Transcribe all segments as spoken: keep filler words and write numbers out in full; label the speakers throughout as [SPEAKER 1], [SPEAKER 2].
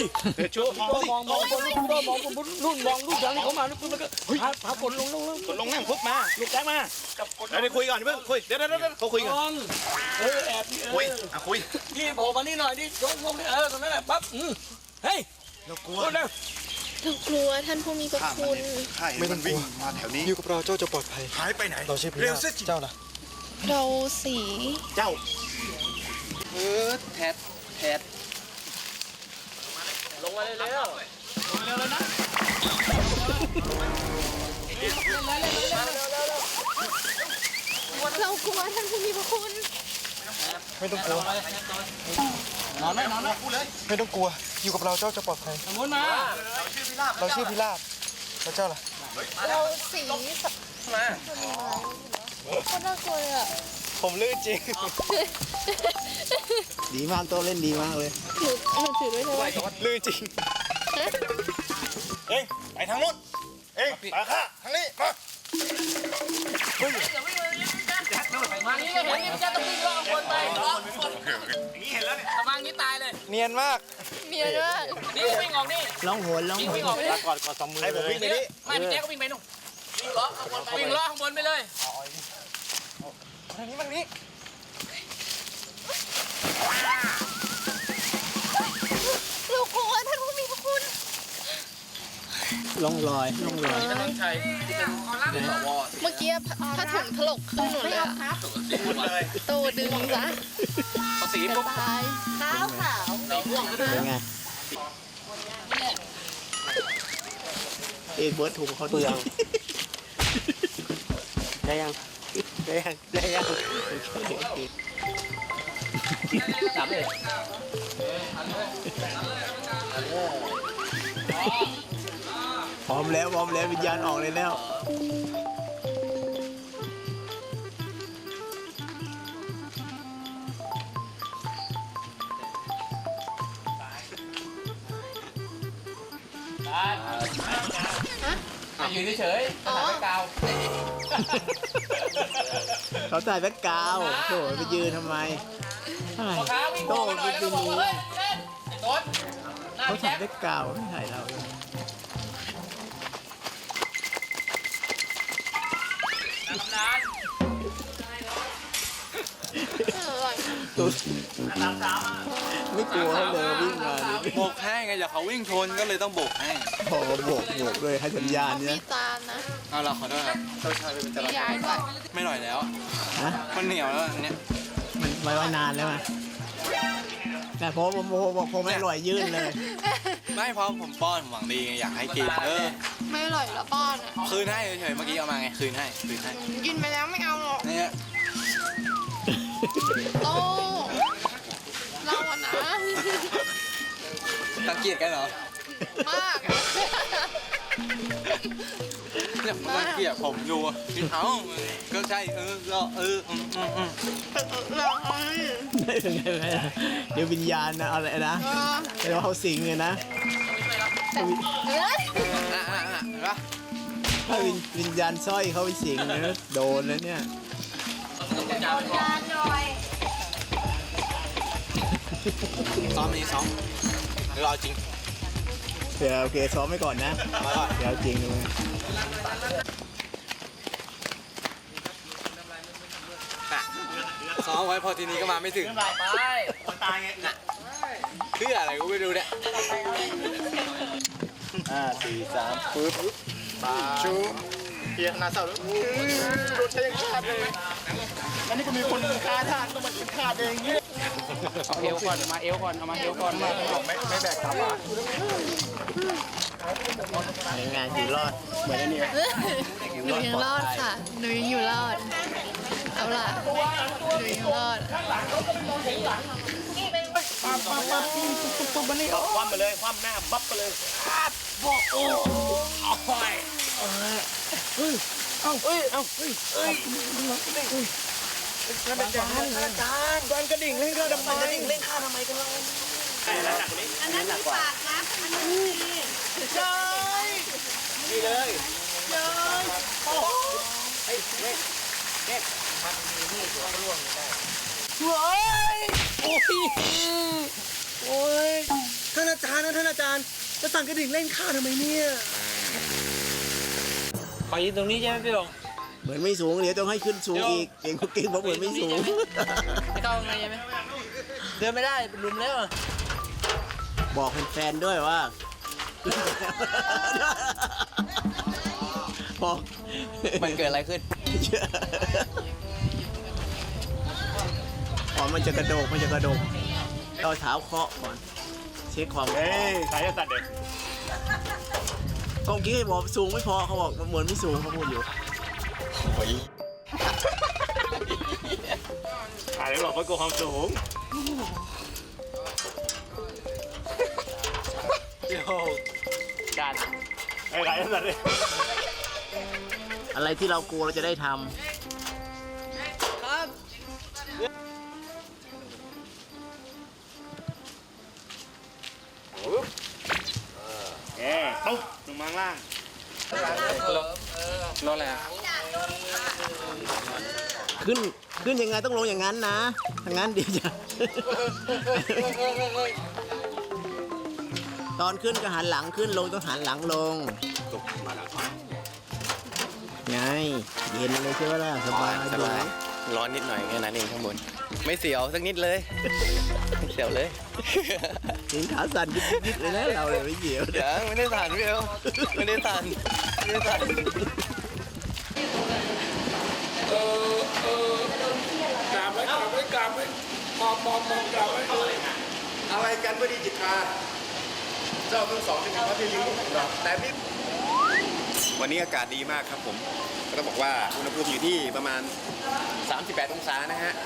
[SPEAKER 1] ช่วยมองมองมองบนมองมองบนนู่นมองลูกทางนี้เขามาแล้วมันก็พาพากดลงลงลง
[SPEAKER 2] กดลงนั่งปุ๊บมาลูกแจ๊กมาเดี๋ยวคุยก่อนเพิ่งคุยเดี๋ยวเดี๋ยวเดี๋ยวเขาคุยกัน
[SPEAKER 1] เออแอบ
[SPEAKER 2] คุยอ่ะคุย
[SPEAKER 1] นี่โผล่มานี่หน่อยนี่ลงลงเออตรงนั้นแหละปั๊บเฮ้ย
[SPEAKER 2] เรากลัว
[SPEAKER 1] เร็ว
[SPEAKER 3] เรากลัวท่านผู้มีพระคุณ
[SPEAKER 2] ข้าเห็นมันวิ่งมาแถวนี้
[SPEAKER 4] อยู่กับเราเจ้าจะปลอดภัย
[SPEAKER 2] หายไปไหน
[SPEAKER 4] เราใช่พ
[SPEAKER 2] เร็
[SPEAKER 4] ระ
[SPEAKER 2] วสิ
[SPEAKER 4] เจ้าล่ะ
[SPEAKER 3] เราสี
[SPEAKER 2] เจ้า
[SPEAKER 4] เออแทดแทด
[SPEAKER 1] ลงมาเร็วเร็วเร็วเลยนะ
[SPEAKER 3] เรากลัวท่านผู้มีพระคุณ
[SPEAKER 4] ไม่ต้องกลัวน
[SPEAKER 1] อนไหมนอนไหม
[SPEAKER 2] พูดเลย
[SPEAKER 4] ไม่ต้องกลัว อยู่กับเราเจ้าจะปลอดภัย
[SPEAKER 1] สมุนมา
[SPEAKER 4] เราชื่อพิราบแล้วเจ้าล่ะ
[SPEAKER 3] เราสีมาคนน่ากลัวเลยอ่ะ
[SPEAKER 4] ผมลื่นจริง
[SPEAKER 5] ดีมากโตเล่นดีมากเลย
[SPEAKER 3] หนูหนูถือไว้เลย
[SPEAKER 4] ลื่นจริง
[SPEAKER 2] เอ้ยไปทางนู้นเอ้ยไปข้าทางนี้มา
[SPEAKER 1] มานี่เห็นนี่จะต้องวิ่งล่องบนไปล่องบน
[SPEAKER 2] อย่างนี้เห็นแล้วเนี่ย
[SPEAKER 1] ประมาณนี้ตายเลย
[SPEAKER 4] เนียนมาก
[SPEAKER 3] เมียด้วย
[SPEAKER 1] นี่วิ่งออกนี่
[SPEAKER 5] ร้องโหนร้อง
[SPEAKER 1] วิ่ง
[SPEAKER 5] โหน
[SPEAKER 1] วิ่งออกนี่
[SPEAKER 2] ก่อนก่อนสองมือให้ผมวิ่งไปนี่
[SPEAKER 1] ไม่พี่แจ๊ก็วิ่งไปนู่นวิ่งล่องบนไปเลย
[SPEAKER 4] ทางนี้มันนี้
[SPEAKER 3] เรากลัวท่านผู้มีพระคุณ
[SPEAKER 5] ร้องลอยร้องลอย
[SPEAKER 1] ต้องใช้เป็นสว
[SPEAKER 3] เมื่อกี้ผ้าถุงถลกขึ้นหนูเลยอะ
[SPEAKER 2] เลย
[SPEAKER 3] โตดึงซะ
[SPEAKER 1] ภาษี
[SPEAKER 3] จะ
[SPEAKER 1] ปุ๊บ
[SPEAKER 3] ตายขาวขาว
[SPEAKER 5] เป็นไงเอกเบิร์ดถูกเขาเปลืองได้ยังได้ยังได้ยังจับเลยพร้อมแล้วพร้อมแล้ววิญญาณออกเลยแล้ว
[SPEAKER 1] ยืนเฉยๆถ่ายกาว
[SPEAKER 5] เขาใส่แบ็คกราวด์โถ่ไปยืนทำไมอะไร
[SPEAKER 1] ขาวิ่ง
[SPEAKER 5] โต้
[SPEAKER 1] หน่
[SPEAKER 5] ไป
[SPEAKER 1] อยแล้ว
[SPEAKER 5] ยื
[SPEAKER 1] ก็
[SPEAKER 5] น
[SPEAKER 1] บอกเฮ้ยเล่นโดนหน้า
[SPEAKER 5] เขา
[SPEAKER 1] พี่
[SPEAKER 5] ใส่
[SPEAKER 1] แจ๊ค
[SPEAKER 5] แบ็คกราวด์ไม่ถ่ายเราเอง
[SPEAKER 1] ตำนาน
[SPEAKER 5] ตุ๊ดไม่กลัวเขาเลยวิ่งมาดิ
[SPEAKER 4] โบกให้ไงอย่าเขาวิ่งชนก็เลยต้องโบกให้
[SPEAKER 5] พอโบกโบกเลยให้สัญญาณ
[SPEAKER 3] มี
[SPEAKER 5] เนี่ย
[SPEAKER 3] จานนะ
[SPEAKER 4] เอาเราขอโทษครับเจ้าชายเป็นจ
[SPEAKER 3] มี
[SPEAKER 4] รา
[SPEAKER 3] ยายด้วย
[SPEAKER 4] ไม่หน่อยแล้ว
[SPEAKER 5] ฮะ
[SPEAKER 4] มันเหนียวแล้วอันเนี้ย
[SPEAKER 5] มันไว้ไว้นานแล้วไงแต่พอผมผมผมไม่อร่อยยื่นเลย
[SPEAKER 4] ไม่เพราะผมป้อนผมหวังดีไงอยากให้กินเออ
[SPEAKER 3] ไม่อร่อยละป้อนอ่ะ
[SPEAKER 4] คืนให้เฉยๆเมื่อกี้เอามาไงคืนให้คืนให้
[SPEAKER 3] กินไปแล้วไม่เอาหรอก
[SPEAKER 4] เนี่ย
[SPEAKER 3] โตเราอะนะ
[SPEAKER 4] ตังเกียจกันเหรอ
[SPEAKER 3] มาก
[SPEAKER 4] เนี่ยมันตังเกียจผมดูกินเอ้าก็ใช่เออก็เอออืมอืมอืม
[SPEAKER 3] เรา
[SPEAKER 5] ไม่เป็นไงไม่เดี๋ยววิญญาณนะอะไรนะ
[SPEAKER 3] เออ
[SPEAKER 5] เดี๋ยวเขาสิงเลยนะ
[SPEAKER 3] เฮ้ย
[SPEAKER 4] อ่ะอ่ะอ่ะเห็นปะ
[SPEAKER 5] ถ้าวิญวิญญาณสร้อยเขาไปสิงนะโดนแล้วเนี่ย
[SPEAKER 3] จานหน่อย
[SPEAKER 4] ซ้อมนี้ซ้อมหรือรอจริง
[SPEAKER 5] เดี๋ยวโอเคซ้อมไว้ก่อนนะเดี๋ยวจริงเลย
[SPEAKER 4] ซ้อมไว้พอทีนี้ก็มาไม่ถึง
[SPEAKER 1] ไปไป
[SPEAKER 2] คนตายไง
[SPEAKER 4] เพื่ออะไรก็ไม่รู้เนี่ย
[SPEAKER 5] ห้าสี่สามปึ๊บ
[SPEAKER 2] ชูเฮียนาเศร้าแล้วโดนใช้ยังขาดเลยอันนี้ก็มีคนฆ่าทานต้องมาฆ่าเองเนี่ย
[SPEAKER 1] เอาเอวก่อนมาเอวก่อนเอามาเอวก่อนมา
[SPEAKER 2] ไม่ไม่แบกกลับอ่ะ
[SPEAKER 5] ในงานอยู่รอดเหมือนอันนี้
[SPEAKER 3] หนูยังรอดค่ะ หนูยังอยู่รอด เอาล่ะ หนูยังรอด
[SPEAKER 2] ปั๊บปั๊บปั๊บปุ๊บปุ๊บปุ๊บมานี่คว่ำไปเลยคว่ำหน้าปั๊บไปเลย
[SPEAKER 1] บอกโอ้ย
[SPEAKER 2] นั่นเป็นจานอาจารย์จานกระดิ่งเล่นข้าทำไมกระดิ่งเล่นข้าทำไมกันเราใช่แล้วหนักกว่านี้
[SPEAKER 3] อันนั้นมีปากนะอันนั้นมี
[SPEAKER 2] ใช่นี่เลยเย้ยโอ้เฮ้ยเล็กเล็กมันมีนี่ตัวร่วงได้
[SPEAKER 1] เฮ้ยโอ้ยโอ้ย
[SPEAKER 2] ท่านอาจารย์นะท่านอาจารย์จะสั่งกระดิ่งเล่นข้าทำไมเนี่ย
[SPEAKER 1] ขอยืนตรงนี้ใช่ไหมพี่หลง
[SPEAKER 5] เหมือนไม่สูงเดี๋ยวต้องให้ขึ้นสูงอีกเก่งเก่งเพราะเหมือนไม่สูง
[SPEAKER 1] ไม่ต้องไงใช่ไหมเดินไม่ได้เป็นลุมแล้ว
[SPEAKER 5] บอกแฟนๆด้วยว่า บอก
[SPEAKER 4] มันเกิดอะไรขึ้น
[SPEAKER 5] อ๋อมันจะกระโดกมันจะกระโดกเอาเท้าเคาะก่อนเช็คความ
[SPEAKER 2] เฮ้ยใครจะตัดเด็ก
[SPEAKER 5] กองกี้ให้บอกสูงไม่พอเขาบอกเหมือนไม่สูงเขาพูดอยู่
[SPEAKER 2] ใครบอกว่ากลัวความสูง
[SPEAKER 1] เดี๋ยวการ
[SPEAKER 2] ใครใครจะตัดเด็ก
[SPEAKER 5] อะไรที่เรากลัวเราจะได้ทำ
[SPEAKER 2] เอ๊ะตุ๊บลงมาข้างล่าง
[SPEAKER 1] รออะไรอ่ะ
[SPEAKER 5] ขึ้นขึ้นยังไงต้องลงอย่างนั้นนะถ้างั้นเดี๋ยวจะ ตอนขึ้นก็หันหลังขึ้นลงต้องหันหลังลงไงเย็นเลยใช่ไหมล่ะสบาย
[SPEAKER 4] สบายร้อนนิดหน่อยแค่นั้นเองข้างบน ไม่เสียวสักนิดเลยไม่เสียวเลย
[SPEAKER 5] ถึงขาสั่นยิบๆเลยนะเราเลยไม่เกี่ยว
[SPEAKER 4] เดี๋ยวไม่ได้สั่นพี่เอลไม่ได้สั่นไม่ได้สั่น
[SPEAKER 1] เออเออกราบไว้กราบไว้กราบไว้มองมองมองกราบไว้
[SPEAKER 6] อะไรกันพอดีจิตราเจ้าทั้งสองเป็นพระที่ลิ้วแต่นี่วันนี้อากาศดีมากครับผมก็ต้องบอกว่าอุณหภูมิอยู่ที่ประมาณ สามสิบแปด องศานะฮะ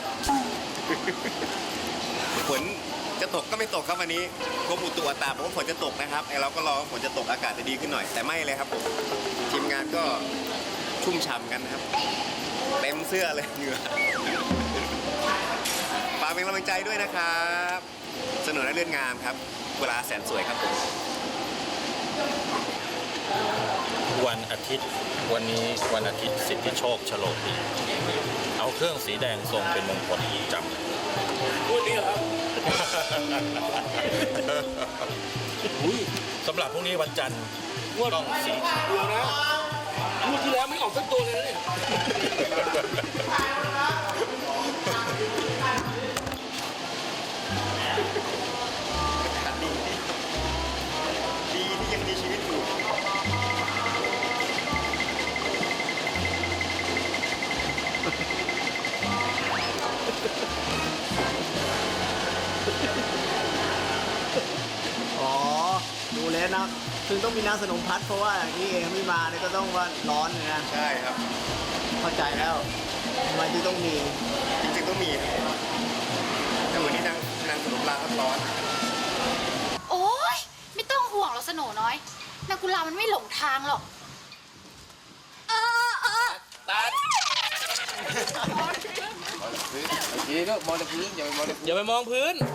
[SPEAKER 6] ฝนจะตกก็ไม่ตกครับวันนี้กรมอุตุอัตราบอกว่าฝนจะตกนะครับไอเราก็รอว่าฝนจะตกอากาศจะดีขึ้นหน่อยแต่ไม่เลยครับผมทีมงานก็ชุ่มฉ่ำกันนะครับเต็มเสื้อเลยเหงื่อฝากเป็นกำลังใจด้วยนะครับสนุนและเลื่อนงามครับเวลาแสนสวยครับผม
[SPEAKER 7] วันอาทิตย์วันนี้วันอาทิตย์สิทธิโชคโฉลกดีเอาเครื่องสีแดงทรงเป็นมงคลจำ
[SPEAKER 1] พูดนี่เหรอครับ
[SPEAKER 7] สำหรับพรุ่งนี้วันจันทร์
[SPEAKER 1] งวด
[SPEAKER 7] ต้องสี
[SPEAKER 1] เดียวนะงวดที่แล้วไม่ออกสักตัวเลยนะเนี่ย
[SPEAKER 6] ดีที่ยังมีชีวิตอยู่
[SPEAKER 5] อ๋อดูแล้วนะถึงต้องมีน้ำสนมพัดเพราะว่าอย่างนี้เองไม่มาเนี่ยก็ต้องว่าร้อนเลยนะ
[SPEAKER 6] ใช่ครับ
[SPEAKER 5] เข้าใจแล้วทำไมที่ต้องมี
[SPEAKER 6] จริงๆต้องมีครับแต่วันนี้นางนางสนุกลาพัดร้อน
[SPEAKER 8] โอ๊ย ไม่ต้องห่วงหรอกสโหนน้อยนากุลามันไม่หลงทางหรอก เออเออ
[SPEAKER 1] อย่าไปมองพื้น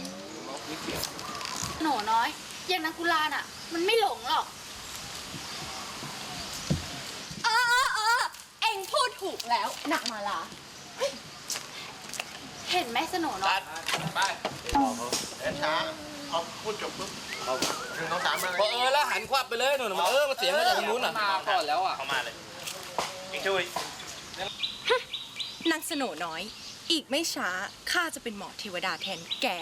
[SPEAKER 8] สโหนน้อย อย่างนากุลาน่ะ มันไม่หลงหรอก เออเออเออเอ็งพูดถูกแล้วนักมาลาเฮ้ยเห็นไหมสโหนน้อย
[SPEAKER 6] ช้าเอาพูดจบปุ๊บเอาหนึ่งสองสามมา
[SPEAKER 1] พอเออแล้วหันควับไปเลยหนูนเออมาเสียงมาจากทางนู้นอ่ะมาก่อนแล้วอ่ะ
[SPEAKER 2] เข้ามาเลยอีกช่วย
[SPEAKER 9] นางสโหนน้อย อีกไม่ช้า ข้าจะเป็นหมอเทวดาแทนแก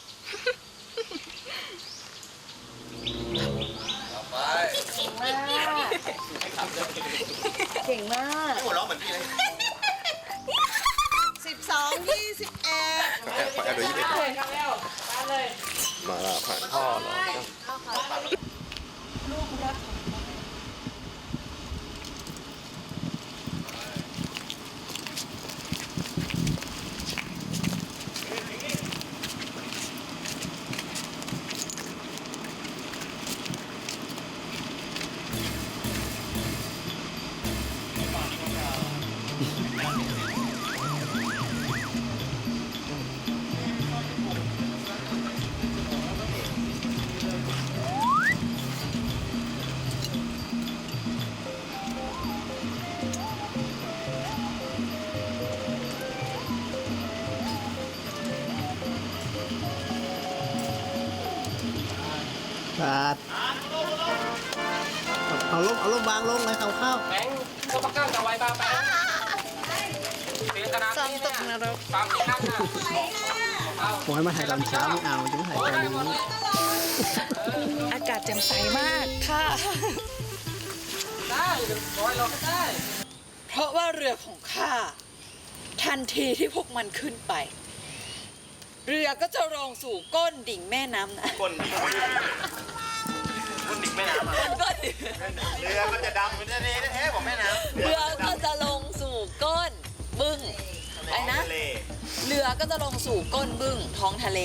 [SPEAKER 6] หัวเราะเหมือนพี่เลย
[SPEAKER 9] สิบสอง ยี่สิบเอ็ด
[SPEAKER 6] แอบดูยี่สิบเอ็ดมาแล้วผ่านพ่อเหรอ
[SPEAKER 5] บาดเอาลงเอาลงวางลงเลยเขาเข้า
[SPEAKER 2] แบงค์ก็ปักกั้งกับไว้บ้าแบงค์เสียขนาด
[SPEAKER 3] ซ้อม
[SPEAKER 2] นี้
[SPEAKER 3] ต
[SPEAKER 2] เนี่ย
[SPEAKER 3] กนรก
[SPEAKER 2] ตามที่นั่นน่ะ
[SPEAKER 5] บอกให้มาถ่ายตอนเช้าไม่เอาจะมาถ่ายตอนนี้
[SPEAKER 9] อากาศแจ่มใสมากค่ะ
[SPEAKER 2] ได้ร้อยเราก็ได้
[SPEAKER 9] เพราะว่าเรือของข้าทันทีที่พวกมันขึ้นไป เรือก็จะลงสู่ก้นดิ่งแม่น้ำนะ
[SPEAKER 6] ก้นดิ่งก้นดิ่งแม่น้ำอ่ะ
[SPEAKER 9] ก้นดิ่ง
[SPEAKER 6] เรือมันจะดำมันจะเละแท้ๆบอกแม่น้ำ
[SPEAKER 9] เรือก็จะลงสู่ก้นบึ้งไอ้นะ
[SPEAKER 6] ทะเล
[SPEAKER 9] เรือก็จะลงสู่ก้นบึ้งท้องทะเล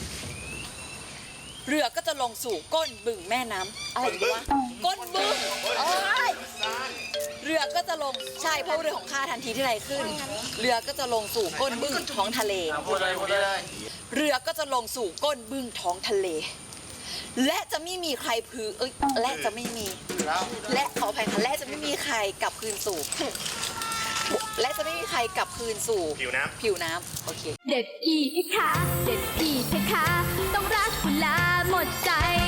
[SPEAKER 9] เรือก็จะลงสู่ก้นบึ้งแม่น้ำอะไรดีวะก้นบึ้งโอ้ยเรือก็จะลงใช่เพราะเรือของข้าทันทีที่ไรขึ้น เรือก็จะลงสู่ก้นบึ้งท้องทะเล
[SPEAKER 2] พูดเลยพูดเลย
[SPEAKER 9] เรือก็จะลงสู่ก้นบึ้งท้องทะเล และจะไม่มีใครพือเอ้ยและจะไม่มี และขออภัยค่ะและจะไม่มีใครกลับคืนสู่ และจะไม่มีใครกลับคืนสู่
[SPEAKER 6] ผิวน้ำ
[SPEAKER 9] ผิวน้ำโอเค
[SPEAKER 8] เด็ดอีกค่ะ เด็ดอีกค่ะ ต้องรักคุณลาหมดใจ